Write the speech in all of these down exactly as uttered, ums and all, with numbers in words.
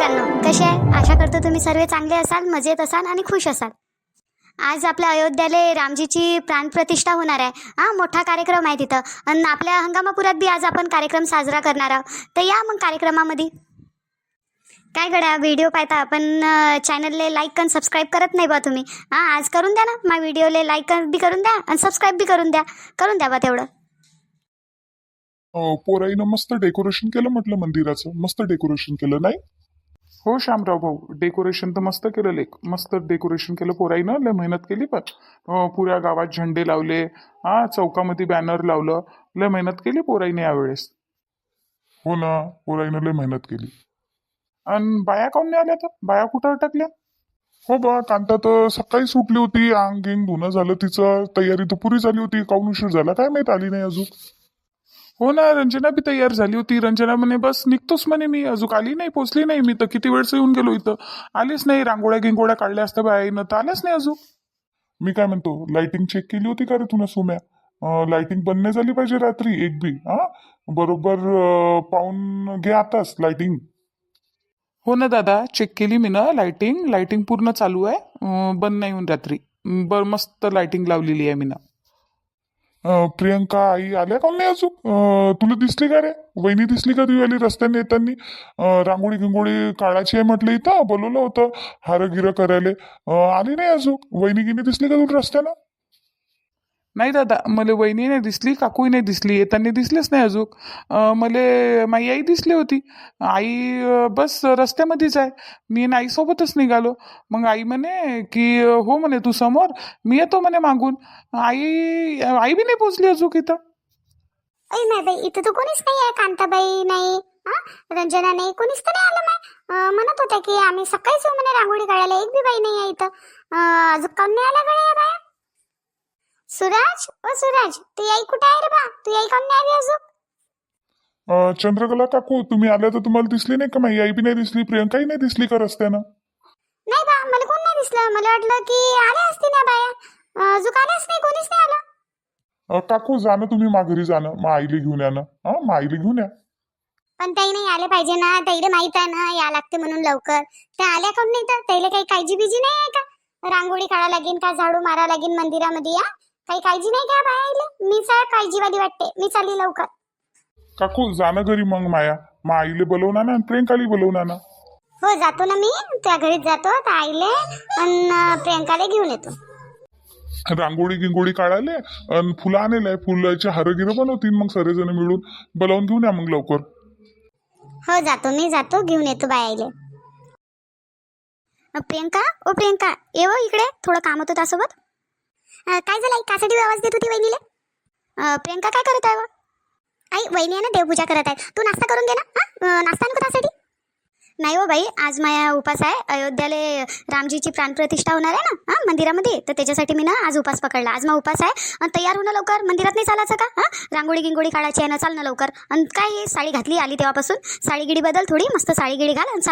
मुलांनो, कसे आहे? आशा करतो तुम्ही सर्व चांगले असाल, मजेत असाल आणि खुश असाल. आज आपल्या अयोध्याला रामजीची प्राणप्रतिष्ठा होणार आहे. हा मोठा कार्यक्रम आहे तिथं आणि आपल्या हंगामापुरात बी आज आपण कार्यक्रम साजरा करणार आहोत. तर या मग कार्यक्रमामध्ये काय गड्या व्हिडिओ पाहता आपण चॅनलले लाईक आणि सबस्क्राईब करत नाही बा तुम्ही. हां आज करून द्या ना, माझ्या व्हिडिओला लाईक बी करून द्या आणि सबस्क्राईब बी करून द्या. करून द्या बा तेवढं. अं, पोराईनं मस्त डेकोरेशन केलं म्हटलं मंदिराचं. मस्त डेकोरेशन केलं नाही? हो श्यामराव भाऊ, डेकोरेशन तर मस्त केलं. लेक मस्त डेकोरेशन केलं पोराईनं. लय मेहनत केली. पण अं, पुऱ्या गावात झेंडे लावले, हा चौकामध्ये बॅनर लावलं. लय मेहनत केली पोराईने यावेळेस. हो ना, पोराईनं लय मेहनत केली. आणि बाया काऊन नाही आल्या? तर बाया कुठं अटकल्या? हो बा, कांता तर सकाळी सुटली होती. अंग गिंग धुणं झालं तिचं. तयारी तर पुरी झाली होती. काऊन उशीर झाला काय माहित, आली नाही अजून. हो ना, रंजना बी तयार झाली होती. रंजना म्हणे बस निघतोच म्हणे मी. अजून आली नाही, पोचली नाही. मी तर किती वेळचं येऊन गेलो इथं, आलीच नाही. रांगोळ्या गिंगोळ्या काढल्या असत्या बाईनं तर आल्याच नाही अजून. मी काय म्हणतो, लाइटिंग चेक केली होती का रे तुला सोम्या? लाइटिंग बंद नाही झाली पाहिजे रात्री एक बी. हा बरोबर अं, पाहून घे आताच लाइटिंग. हो ना दादा, चेक केली मी ना. लाइटिंग लाइटिंग पूर्ण चालू आहे. अं, बंद नाही होऊन रात्री. बर मस्त लाइटिंग लावलेली आहे मी ना. अं, प्रियंका आई आल्या का नाही अजून? अं, तुला दिसली का रे? वहिनी दिसली का तुझी आली रस्त्याने येताना? अं, रांगोळी गिंगोळी काढायची आहे म्हटलं, इथं बोलवलं होतं हार गिरं करायला. अं, आली नाही अजून. वहिनी गिनी दिसली का तुला रस्त्यानं? नाही दादा, मला वहिनी नाही दिसली, काकूही नाही दिसली. येताना दिसलेच नाही अजून. अं, मला माझी आई दिसली होती. आई अं, बस रस्त्यामध्येच आहे. मी आणि आईसोबतच निघालो. मग आई म्हणे की हो म्हणे तू समोर, मी येतो म्हणे मागून. आई आई बी नाही पोचली अजून इथं. अय नाही बाई, इथं तर कोणीच नाही आहे. कांताबाई नाही, हा रंजना नाही, कोणीच तर नाही आलं. माय म्हणत होत्या की आम्ही सकाळीच येऊ म्हणे रांगोळी काढायला. एक बी बाई नाही आहे इथं. अं, अजून काऊन नाही आल्या गड्या या बाया? सुराज, ओ सुराज, तू आई कुठे आहे रे बा? तू आई काऊन नाही आली अजून? अं, चंद्रकला काकू तुम्ही आल्या तर तुम्हाला दिसली नाही का? माझी आई बी नाही दिसली, प्रियंकाही नाही दिसली का रस्त्यानं? नाही बा, मला कोण नाही दिसलं. मला वाटलं की आल्या असतील ना बाया. अं, अजून आल्याच नाही, कोणीच नाही आलं. अं, काकू जाणं तुम्ही माघारी जाणं, मग आईला घेऊन या ना. हा मग आईला घेऊन या. पण ताई नाही आले पाहिजे ना. ताईला माहित आहे ना या लागते म्हणून लवकर. त्या आल्या काऊन नाही? तर ताईला काही काळजी बिजी नाही आहे का? रांगोळी काढा लागेल का, झाडू मारा लागेल मंदिरामध्ये? या काही काळजी नाही का बाया? मी सर काळजीवाली वाटते. मी चालली लवकर. काकू जाणं घरी मग माया. मग आईले बोलवणार ना, प्रियंकाला बोलवणार ना. हो जातो ना मी. त्या घरीच जातो. तर आईले आणि प्रियंकाला घेऊन येतो. रांगोळी गिंगोळी काढायला आणि फुलं आणले, फुलाचे हार गिरं बनवतील मग सर्वजण मिळून. बोलावून घेऊन या मग लवकर. हो जातो, मी जातो, घेऊन येतो बायाले. प्रियंका, ओ प्रियंका, ये हो इकडे. थोडं काम होतं त्यासोबत. अं, काय झालं आई? कासाठी आवाज देत होती वहिनीले? अं, प्रियंका काय करत आहे व? आई वहिनी आहे ना, देवपूजा करत आहे. तू नाश्ता करून घे ना. हा नाश्ता नको त्यासाठी? नाही हो बाई, आज माझा उपास आहे. अयोध्याला रामजीची प्राणप्रतिष्ठा होणार आहे ना, हा मंदिरामध्ये. तर त्याच्यासाठी मी ना आज उपास पकडला. आज मग उपास आहे. आणि तयार होणं लवकर. मंदिरात नाही चालायचं का? हा रांगोळी गिंगोळी काढायची आहे ना, चाल ना लवकर. आणि काय साडी घातली आली तेव्हापासून. साडी गिडी बदल थोडी, मस्त साडी गिडी घाल आणि चाल.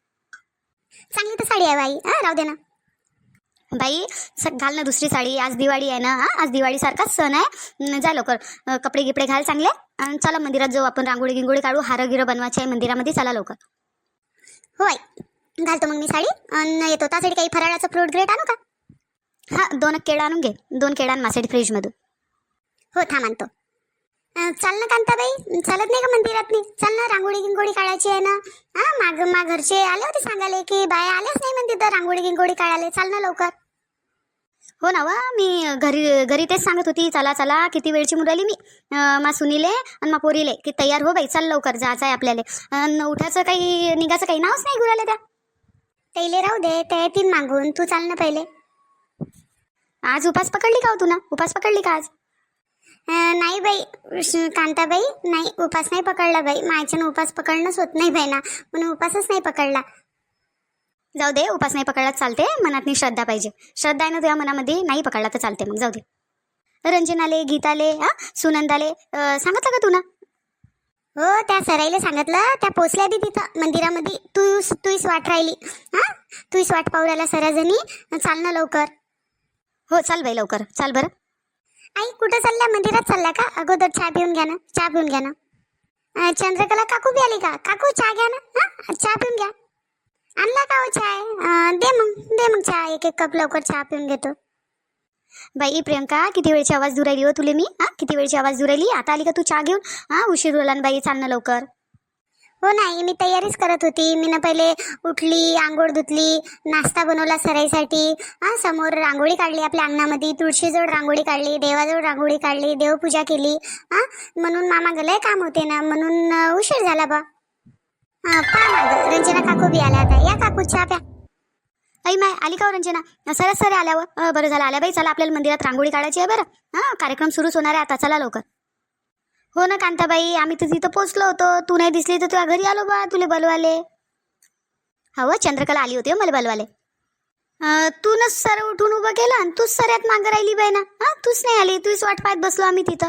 चांगली तर साडी आहे बाई. हा राहू दे ना बाई, घाल ना दुसरी साडी. आज दिवाळी आहे ना, हा आज दिवाळी सारखाच सण आहे. जा लवकर, कपडे गिपडे घाल चांगले आणि चला मंदिरात जाऊ आपण. रांगोळी गिंगोळी काढू, हार गिरं बनवायचे आहे मंदिरामध्ये. चला लवकर. हो आई, घालतो मग मी साडी आणि येतो. त्यासाठी काही फराळाचं फ्रूट ग्रेट आणू का? हा दोन केळं आणून घे. दोन केळं आण माझ्यासाठी फ्रीजमधून. हो थांब आणतो. अं, चाल ना कांताबाई, चालत नाही का मंदिरात? नाही चाल ना, रांगोळी गिंगोळी काढायची आहे ना. हा माग मा घरचे आले होते सांगायला की बाया आल्याच नाही म्हणते तर रांगोळी गिंगोळी काढायला. चाल ना लवकर. हो ना वा, मी घरी घरी तेच सांगत होती चला चला. किती वेळची मुराली मी मा सुनीले आणि मा पोरीले की तयार हो बाई, चाल लवकर, जायचं आहे आपल्याला. अन् उठायचं काही निघायचं काही नावच नाही गुराला त्या. त्याला राहू दे, त्या येतील मागून. तू चाल ना पहिले. आज उपास पकडली का हो तू? ना उपास पकडली का आज? अं, नाही बाई श- कांताबाई, नाही उपास नाही पकडला बाई. माझ्यानं उपास पकडणंच होत नाही बाई ना, म्हणून उपासच नाही पकडला. जाऊ दे, उपास नाही पकडला चालते. मनात श्रद्धा पाहिजे. श्रद्धा आहे ना तुझ्या मनामध्ये, नाही पकडला तर चालते. मग जाऊ दे. रंजनाले, गीताले, हा सुनंदाले अं, सांगितलं का तू ना? हो त्या सराईला सांगितलं. त्या पोचल्या बी तिथं मंदिरामध्ये. तू तूच वाट राहिली. हा तूच वाट पाहू राहिला सराजणी. चाल ना लवकर. हो चाल बाई लवकर, चाल बरं. आई कुठं चालल्या? मंदिरात चालल्या का? अगोदर चहा पिऊन घ्या ना, चहा पिऊन घ्या ना. अं, चंद्रकला काकू बी आली का? काकू चहा घ्या ना. हा चहा पिऊन घ्या. आणला का हो चाय? अं, दे मग दे मग चहा, एक एक कप लवकर चहा पिऊन घेतो. बाई प्रियंका, किती वेळची आवाज दूर राहिली हो तुले मी? हा, किती वेळची आवाज दूर राहिली? आता आली का तू चहा घेऊन? हा, उशीर होला ना बाई, चाल ना लवकर. हो नाही, मी तयारीच करत होती. मी ना पहिले उठली, आंघोळ धुतली, नाश्ता बनवला सराईसाठी. हा, समोर रांगोळी काढली आपल्या अंगणामध्ये, तुळशीजवळ रांगोळी काढली, देवाजवळ रांगोळी काढली, देवपूजा केली. हा, म्हणून मामा गलय काम होते ना, म्हणून अं, उशीर झाला बा. हा, पहा मागं रंजना काकू बी आल्या आता. या काकू चहा प्या. आई माय, आली का हो रंजना? सरस सरे आल्यावर अं, बरं झालं आल्या बाई. चला, आपल्याला मंदिरात रांगोळी काढायची आहे बरं. हा, कार्यक्रम सुरूच होणार आहे आता, चला लवकर. हो ना कांताबाई, आम्ही तर तिथं पोचलो होतो. तू नाही दिसली तर तुझ्या घरी आलो बा तुले बोलवाले. हो, चंद्रकला आली होती हो मला बोलवाले. अं, तूनच सर उठून उभं केलं आणि तूच सऱ्यात मागं राहिली बाई ना. हा, तूच नाही आली, तूच वाट पाहत बसलो आम्ही तिथं.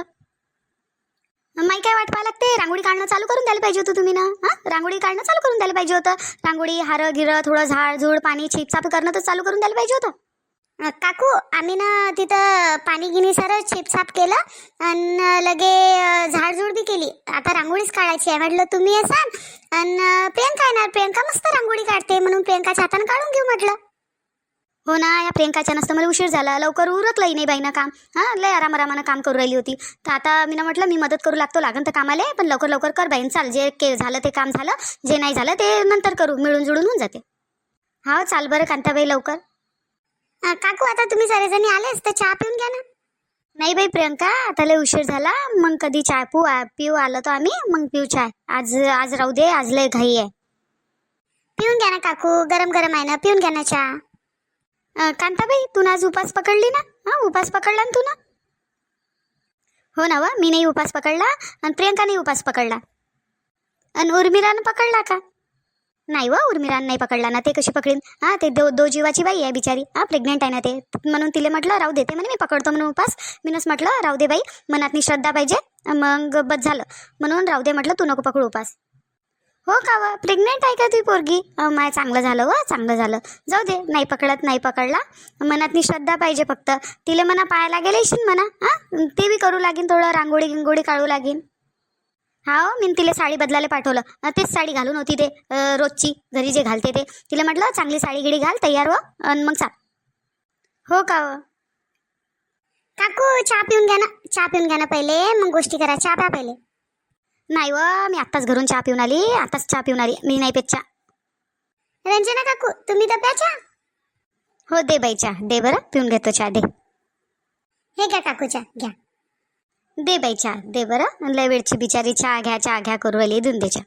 माई काय वाट पाहायला लागते? रांगोळी काढणं चालू करून द्यायला पाहिजे होतं तुम्ही ना. हा, रांगोळी काढणं चालू करून द्यायला पाहिजे होतं. रांगोळी, हार गिरं, थोडं झाड झूड पाणी छिपछाप करणं तर चालू करून द्यायला पाहिजे होतं. अं, काकू, आम्ही ना तिथं पाणी गिनी सारं छिपछाप केलं आणि लगे अं, झाडझूड बी केली. आता रांगोळीच काढायची आहे. म्हटलं तुम्ही असाल आणि प्रियंका येणार. प्रियंका मस्त रांगोळी काढते म्हणून प्रियंकाच्या हातानं काढून घेऊ म्हटलं. हो ना, या प्रियंकाच्या नसतं मला उशीर झाला, लवकर उरकलंही नाही बाईनं काम. हां, लय आरामारामानं काम करू राहिली होती. तर आता मी ना म्हटलं मी मदत करू लागतो, लागन तर कामाले, पण लवकर लवकर कर बाईन. चाल, जे के झालं ते काम झालं, जे नाही झालं ते नंतर करू, मिळून जुळून होऊन जाते. हा, चाल बरं कांताबाई लवकर. अं, काकू, आता तुम्ही सगळेजणी आलेच तर चहा पिऊन घ्या ना. नाही बाई प्रियंका, आता लय उशीर झाला, मग कधी चहा पिऊ पिऊ आलो तो आम्ही, मग पिऊ चहा. आज आज राहू दे, आज लय घाई आहे. पिऊन घ्या ना काकू, गरम गरम आहे ना, पिऊन घ्या ना चहा. अं, कांताबाई, तू ना आज उपास पकडली ना? हा, उपास पकडला ना तू ना? हो ना व, मी नाही उपास पकडला आणि प्रियंकाने उपास पकडला. आणि उर्मिलानं पकडला का? नाही व, उर्मिलानं नाही पकडला ना. ते कशी पकडीन? हा, ते दो दो जीवाची बाई आहे बिचारी. हा, प्रेग्नेंट आहे ना ते, म्हणून तिला म्हटलं राहू देते म्हणे, मी पकडतो म्हणून उपास. मीनच म्हटलं राहू दे बाई, मनातनी श्रद्धा पाहिजे, मग बस झालं म्हणून राहू दे म्हटलं, तू नको पकडू उपास. हो का व, प्रेग्नेंट आहे का तुझी पोरगी? माय, चांगलं झालं व, चांगलं झालं. जाऊ दे, नाही पकडत नाही पकडला, मनातनी श्रद्धा पाहिजे फक्त. तिला म्हणा पाहायला गेले येशील म्हणा. हा, ते बी करू लागीन, थोडं रांगोळी गिंगोळी काढू लागीन. हा, मी तिला साडी बदलायला पाठवलं. अं, तेच साडी घालून होती ते अं, रोजची घरी जे घालते ते. तिला म्हटलं चांगली साडी गिडी घाल, तयार व आणि मग चाल. हो का व काकू, चहा पिऊन घ्या ना. चहा पिऊन घ्या ना पहिले, मग गोष्टी करा. चहा प्या पहिले. नाही व, मी आत्ताच घरून चहा पिऊन आली, आत्ताच चहा पिऊन आली, मी नाही पेत चहा. रंजना काकू, तुम्ही तर प्या चहा. हो, दे बाई चहा, दे बरं, पिऊन घेतो चहा, दे. हे घ्या काकू चहा, घ्या. दे बाई चहा, दे बरं. लय वेळची बिचारी चहा घ्या चहा घ्या करू राहिली, देऊन दे चहा.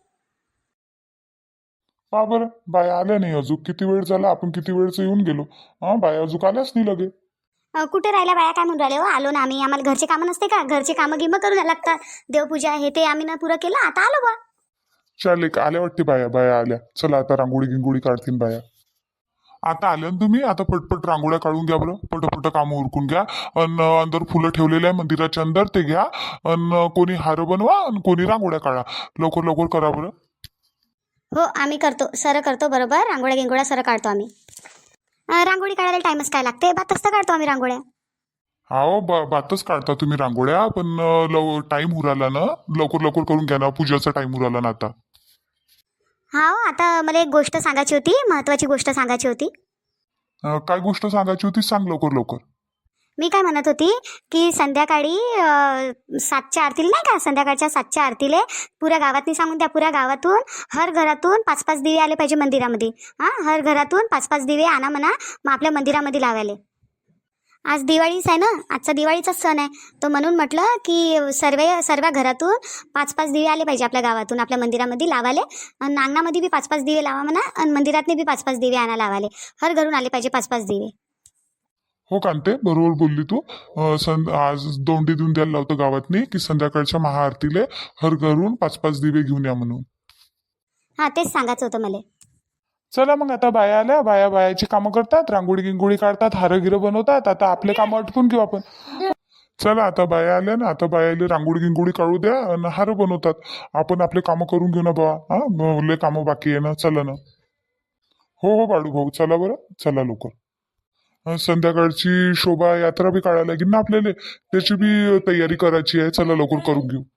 पहा बरं, बाया आल्या नाही अजून. किती वेळ झाला, आपण किती वेळचं येऊन गेलो. हा, बाया अजून आल्याच नाही लगे. अ, कुठे राहिल्या बाया? काय म्हणून राहिले हो? आलो ना आम्ही, आम्हाला घरचे कामं नसते का? घरचे कामं गिमं करून लागतात, देवपूजा हे ते आम्ही ना पुरं केलं, आता आलो बा. चाल, एक आल्या वाटते बाया. बाया आल्या. चला आता रांगोळी गिंगोळी काढतील बाया. आता आल्या ना तुम्ही, आता पटपट रांगोळ्या काढून घ्या बरं, पटपट कामं उरकून घ्या. अन अंदर फुलं ठेवलेले आहे मंदिराच्या अंदर, ते घ्या. अन कोणी हार बनवा आणि कोणी रांगोळ्या काढा. लवकर लवकर करा बरं. हो, आम्ही करतो, सर करतो बरोबर. रांगोळ्या गिंगोळ्या सर काढतो आम्ही. अ, रांगोळी काढायला टाइमच काय लागते, बातच तर काढतो आम्ही रांगोळ्या. हो, बा बातच काढता तुम्ही रांगोळ्या, पण अं, लव टाईम उराला ना, लवकर लवकर करून घ्या ना, पूजाचा टाईम उराला ना आता. हा, आता मला एक गोष्ट सांगायची होती, महत्वाची गोष्ट सांगायची होती. अं, काय गोष्ट सांगायची होती, सांग लवकर लवकर. मी काय म्हणत होती की संध्याकाळी अ, सातच्या आरतीला नाही का, संध्याकाळच्या सातच्या आरतीले पुऱ्या गावातनी सांगून द्या, पुऱ्या गावातून हर घरातून पाच पाच दिवे आले पाहिजे मंदिरामध्ये. हां, हर घरातून पाच पाच दिवे आणा म्हणा, मग आपल्या मंदिरामध्ये लावायले. आज दिवाळीच आहे ना, आजचा दिवाळीचाच सण आहे, तर म्हणून म्हटलं की सर्व सर्व घरातून पाच पाच दिवे आले पाहिजे आपल्या गावातून आपल्या मंदिरामध्ये लावाले. आणि अंगणामध्ये बी पाच पाच दिवे लावा म्हणा, आणि मंदिरातले बी पाच पाच दिवे आणा लावाले. हर घरून आले पाहिजे पाच पाच दिवे. हो कांते, बरोबर बोलली तू. अं, सं आज दोंडी देऊन द्यायला लावतं गावातनी की संध्याकाळच्या महाआरतीले हर घरून पाच पाच दिवे घेऊन या म्हणून. हां, तेच सांगायचं होतं मला. चला मग, आता बाया आल्या, बाया बायाची कामं करतात, रांगोळी गिंगोळी काढतात, हारं गिरं बनवतात. आता आपले कामं आटपून घेऊ आपण. चला, आता बाया आल्या ना, आता बायाले रांगोळी गिंगोळी काढू द्या आणि हार बनवतात. आपण आपले कामं करून घेऊ ना बा. हा, लय कामं बाकी आहे ना, चला ना. हो हो बाळू भाऊ, चला बरं, चला लवकर. अं, संध्याकाळची शोभा यात्रा बी काढायला लागेल ना आपल्याला, त्याची बी तयारी करायची आहे. चला लवकर करून घेऊ.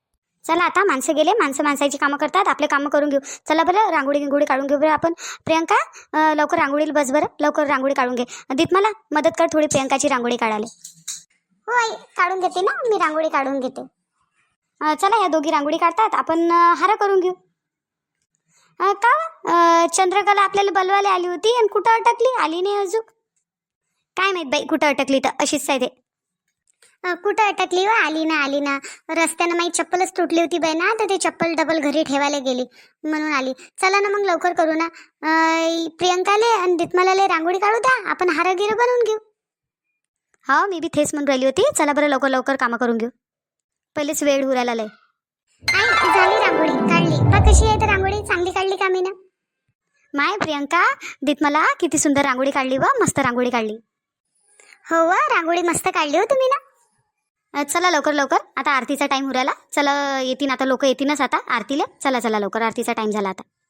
चला आता माणसं गेले, माणसं माणसाची कामं करतात, आपले कामं करून घेऊ. चला बरं, रांगोळी गिंगोळी काढून घेऊ बरं आपण. प्रियंका अं, लवकर रांगोळीला बस बरं, लवकर रांगोळी काढून घे. दीप मला मदत कर थोडी प्रियंकाची रांगोळी काढायला. हो आई, काढून घेते ना मी, रांगोळी काढून घेते. अं, चला या दोघी रांगोळी काढतात, आपण अं, हार करून घेऊ. अं, का अं, चंद्रकला आपल्याला बोलवायला आली होती आणि कुठं अटकली, आली नाही अजून. काय माहित बाई कुठं अटकली, तर अशीच आहे ते. अं, कुठं अटकली व आली ना आली ना. रस्त्यानं माझी चप्पलच तुटली होती बाई ना, तर ते चप्पल डबल घरी ठेवायला गेली म्हणून आली. चला ना मग लवकर करू ना. अं, प्रियंकाले आणि दित्मलाले रांगोळी काढू द्या, आपण हार गिरं बनवून घेऊ. हा मी बी थेच म्हणून राहिली होती. चला बरं लवकर लवकर कामं करून घेऊ, पहिलेच वेळ उरायला लय. आई झाली रांगोळी काढली का, कशी आहे तर रांगोळी, चांगली काढली का मी ना. माय प्रियंका, दित्मला किती सुंदर रांगोळी काढली व, मस्त रांगोळी काढली. हो व, रांगोळी मस्त काढली हो तुम्ही ना. अ, चला लवकर लवकर, आता आरतीचा टाइम उरायला. चला येतीन आता लोक, येतीनच आता आरतीला. चला चला लवकर, आरतीचा टाइम झाला आता.